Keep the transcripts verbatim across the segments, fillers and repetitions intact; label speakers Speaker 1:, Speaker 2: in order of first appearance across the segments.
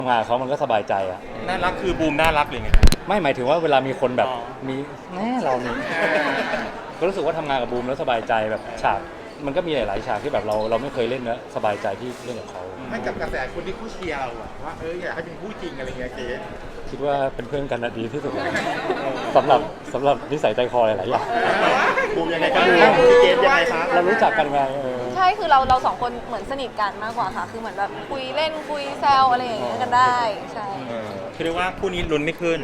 Speaker 1: ทำงานเขามันก็สบายใจอะ
Speaker 2: น่ารักคือบูมน่ารักเลยไง
Speaker 1: ไม่หมายถึงว่าเวลามีคนแบบ
Speaker 2: อ๋อ
Speaker 1: มีแน่เรานี่ก็รู้สึกว่าทำงานกับบูมแล้วสบายใจแบบฉากมันก็มีหลายๆฉากที่แบบเราเราไม่เคยเล่นแล้วสบายใจที่เล่นกับเขา
Speaker 3: ให้กับกระแสคนที่คู่เชียร์เราอะว่าเอออยากให้เป็นคู่จริงอะไรเงี้ยเจ๊
Speaker 1: คิดว่าเป็นเพื่อนกันนะดีที่สุดสำหรับสำหรับนิสัยใจคอหลายๆอย่าง
Speaker 3: บูมยังไงกันบูมพี่เกดยังไงคะ
Speaker 1: เรารู้จักกันไงเออ
Speaker 4: ใช่คือเราเราสองคนเหมือนสนิทกันมากกว่าค่ะ คือเหมือนแบบคุยเล่นคุยแซวอะไรอย่างเงี้ยกันได้ใช่
Speaker 2: คือเรียกว่าคู่นี้ลุ้นไม่ขึ้น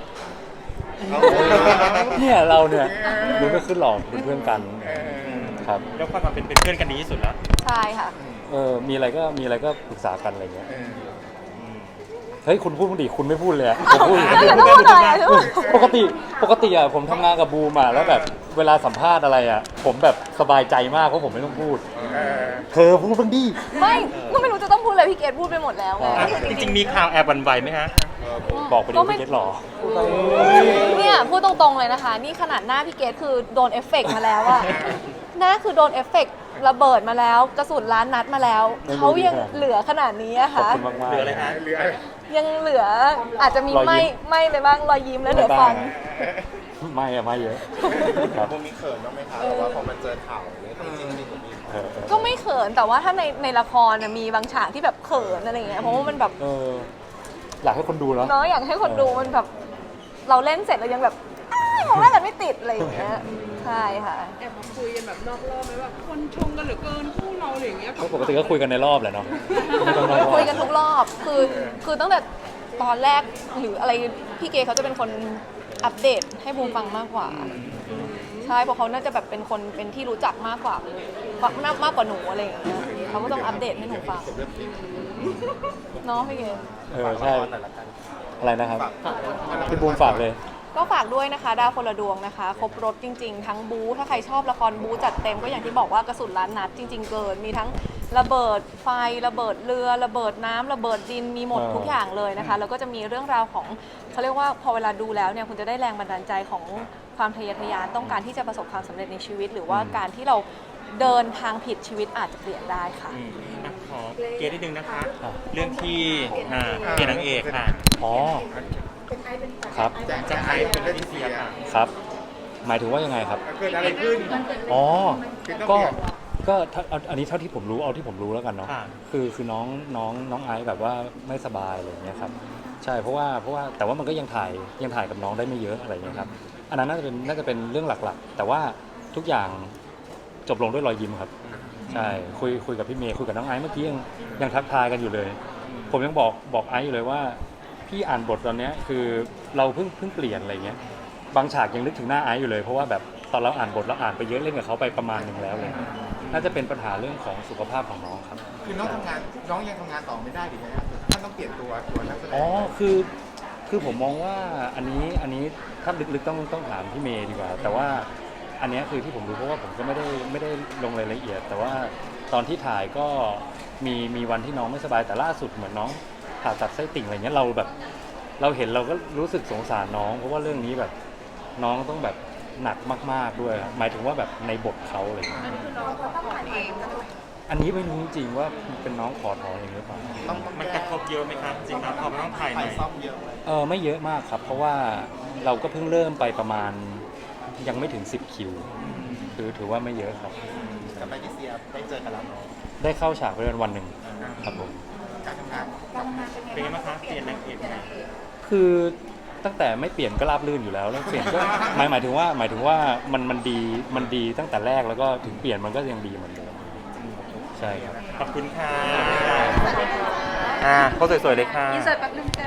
Speaker 1: เนี่ยเราเนี่ยรู้ไม่ขึ้นหรอกเป็นเพื่อนกันครับ
Speaker 2: แล้วความเป็นเป็นเพื่อนกันดีที่สุดแล้ว
Speaker 4: ใช่ค่ะ
Speaker 1: เออมีอะไรก็มีอะไรก็ปรึกษากันอะไรเงี้ย
Speaker 3: เออ
Speaker 1: เฮ้ยคุณพูดมึงดิคุณไม่พูดเลยอะผมพูดอยู่
Speaker 4: อ้าว
Speaker 1: คนเดียว
Speaker 4: จะพูดหน่อยอะ
Speaker 1: ปกติปกติอะผมทำงานกับบูมอะแล้วแบบเวลาสัมภาษณ์อะไรอะผมแบบสบายใจมากเพราะผมไม่ต้องพูด
Speaker 3: เออ
Speaker 1: เธอพูดบ้างดิ
Speaker 4: ไม่ก็ไม่รู้จะต้องพูดอะไรพี่เกดพูดไปหมดแล้วไง
Speaker 1: อ่า
Speaker 2: จริงๆมีข่าวแอบหวั่นไหวไหมฮะ
Speaker 1: บอกไปดิ
Speaker 4: ก็
Speaker 1: ว่า
Speaker 4: ไม่
Speaker 1: พี่เกดหรอ
Speaker 4: เนี่ยพูดตรงๆเลยนะคะ นี่ขนาดหน้าพี่เกดคือโดนเอฟเฟกต์มาแล้วอะหน้าคือโดนเอฟเฟกต์ระเบิดมาแล้วกระสุนล้านนัดมาแล้วเขายังเหลือขนาดนี้อะ
Speaker 1: ขอบ
Speaker 4: ค่ะ
Speaker 1: คุณมากมาก
Speaker 2: เหลืออะไรฮะ
Speaker 3: เหลือ
Speaker 4: ยังเหลืออาจจะมี
Speaker 1: รอยยิ้ม
Speaker 4: ไม่ไม่ไปบ้างรอยยิ้มแล้วเหลือฟัน
Speaker 1: ไม่อะไม่เยอะครับ
Speaker 3: บูมมีเขินบ้างไหมคะแต่ว่าพอมันเจอข่าวเนี่ยจริงๆจริงๆมี
Speaker 1: เออเออ
Speaker 4: ก็ไม่เขินแต่ว่าถ้าในในละครน่ะมีบางฉากที่แบบเขินอะไรอย่างเงี้ยเพราะว่ามันแบบ
Speaker 1: เอออยากให้คนดูเนาะ
Speaker 4: เนาะอยากให้คนดูมันแบบเราเล่นเสร็จแล้วยังแบบอ้าวมองหน้ากันไม่ติดอะไรอย่างเงี้ยใช่ค่ะ
Speaker 5: แอบมาคุยกันแบบนอกรอบไหมแบบคนชมกันเหลือเกินคู่เราอะไรอย่างเงี้ย
Speaker 1: ก็ปกติก็คุยกันในรอบแหละเนาะไม่ต้องรอบ
Speaker 4: คุยกันทุกรอบคือคือตั้งแต่ตอนแรกหรืออะไรพี่เกเขาจะเป็นคนอัปเดตให้บูมฟังมากกว่าใช่เพราะเขาน่าจะแบบเป็นคนเป็นที่รู้จักมากกว่ามากมากกว่าหนูอะไรอย่างเงี้ยเขาก็ต้องอัปเดตให้หนูฟังเนาะพี่เก
Speaker 1: เออใช่อะไรนะครับพี่บูมฝากเลย
Speaker 4: ก็ฝากด้วยนะคะดาวคนละดวงนะคะครบรถจริงๆ ทั้งบู๊ถ้าใครชอบละครบู๊จัดเต็มก็อย่างที่บอกว่ากระสุนล้านนัดจริง ๆ เกิน มีทั้งระเบิดไฟระเบิดเรือระเบิดน้ำระเบิดดินมีหมด
Speaker 1: เออ
Speaker 4: ทุกอย่างเลยนะคะแล้วก็จะมีเรื่องราวของเขาเรียกว่าพอเวลาดูแล้วเนี่ยคุณจะได้แรงบันดาลใจของความทะเยอทะยานต้องการที่จะประสบความสำเร็จในชีวิต หรือว่าการที่เราเดินทางผิดชีวิตอาจจะเปลี่ยนได้ค่ะ
Speaker 2: อืมอ่ะขอเกณฑ์นิดนึงนะคะ เรื่องที่อ่าเปลี่ยนนางเอกค่ะ
Speaker 1: อ๋อครับ
Speaker 3: จะ
Speaker 2: จะ
Speaker 3: จะ
Speaker 2: ใคร
Speaker 3: ให้
Speaker 2: เป็
Speaker 3: เป็น น
Speaker 2: ที่
Speaker 3: ที่
Speaker 2: เสี
Speaker 3: เสี
Speaker 2: ย
Speaker 3: ย
Speaker 2: ค่ะ
Speaker 1: ครับ หมายถึงว่ายังไงครับ
Speaker 3: เกิดอะไรขึ้น
Speaker 1: อ๋อ
Speaker 3: คือต้อง
Speaker 1: ก็
Speaker 3: เปลี่ยน
Speaker 1: ก็ถ้าเอาอันนี้เท่าที่ผมรู้เอาที่ผมรู้แล้วกันเนาะ
Speaker 2: ค่ะ
Speaker 1: คือคือน้องน้องน้องไอซ์แบบว่าไม่สบายอะไรอย่างเงี้ยครับใช่เพราะว่าเพราะว่าแต่ว่ามันก็ยังถ่ายยังถ่ายกับน้องได้ไม่เยอะอะไรอย่างเงี้ยครับอันนั้นน่าจะเป็นน่าจะเป็นเรื่องหลักๆ แต่ว่าทุกอย่างจบลงด้วยรอยยิ้มครับใช่คุยคุยกับพี่เมย์คุยกับน้องไอซ์เมื่อกี้ยังยังทักทายกันอยู่เลย ผมยังบอกบอกไอซ์อยู่เลยว่าพี่อ่านบทตอนเนี้ยคือเราเพิ่งเพิ่งเปลี่ยนอะไรเงี้ยบางฉากยังนึกถึงหน้าไอซ์อยู่เลยเพราะว่าแบบตอนเราอ่านบทเราอ่านไปเยอะเล่นกับเขาไปประมาณหนึ่งแล้วเลยน่าจะเป็นปัญหาเรื่องของสุขภาพของน้องครับ
Speaker 3: คือน้องทำงานน้องยังทำงานต่อไม่ได้หรือไงครับท่านต้องเปลี่ยนตัวตัวนักแสดง
Speaker 1: อ๋อคือคือผมมองว่าอันนี้อันนี้ถ้าลึกๆต้องต้องถามพี่เมย์ดีกว่า แต่ว่าอันเนี้ยคือที่ผมรู้เพราะว่าผมก็ไม่ได้ไม่ได้ลงรายละเอียด แต่ว่าตอนที่ถ่ายก็มีมีวันที่น้องไม่สบายแต่ล่าสุดเหมือนน้องผ่าตัดไส้ติ่งอะไรเงี้ยเราแบบ เราเห็นเราก็รู้สึกสงสารน้อง เพราะว่าเรื่องนี้แบบน้องต้องแบบหนักมากๆด้วยครับหมายถึงว่าแบบในบทเขาอะไรเงี้ย
Speaker 5: อันนี้คือน้องเขาขอเอง
Speaker 1: อันนี้ไม่รู้จริงๆว่าเป็นน้องขอถอนเองหรือเปล่า
Speaker 3: ต้องต้อง
Speaker 2: มันกระทบเยอะไหมครับจริงครับพอมันต้องถ่ายให
Speaker 3: ถ่า
Speaker 2: ม่
Speaker 3: ยซ่อมเยอะไหม
Speaker 1: เออไม่เยอะมากครับ เพราะว่าเราก็เพิ่งเริ่มไปประมาณยังไม่ถึงสิบคิวคือถือว่าไม่เยอะครับ
Speaker 3: กลับไปที่เสียได้เจอกันแล้วเนาะ
Speaker 1: ได้เข้าฉากไปวันวันหนึ่งครับผม
Speaker 3: การทำงาน
Speaker 2: เป็นไงบ้างคะเปลี่ยนนางเอกใหม่
Speaker 1: คือตั้งแต่ไม่เปลี่ยนก็ราบรื่นอยู่แล้วแล้วเปลี่ยนก็หมายหมายถึงว่าหมายถึงว่ามันมันดีมันดีตั้งแต่แรกแล้วก็ถึงเปลี่ยนมันก็ยังดีเหมือนเดิมใช่ครับ
Speaker 2: ขอบคุณค่ะอ่าเขาสวยๆเลยค่ะ
Speaker 4: อินเสิร์ตแป๊บนึง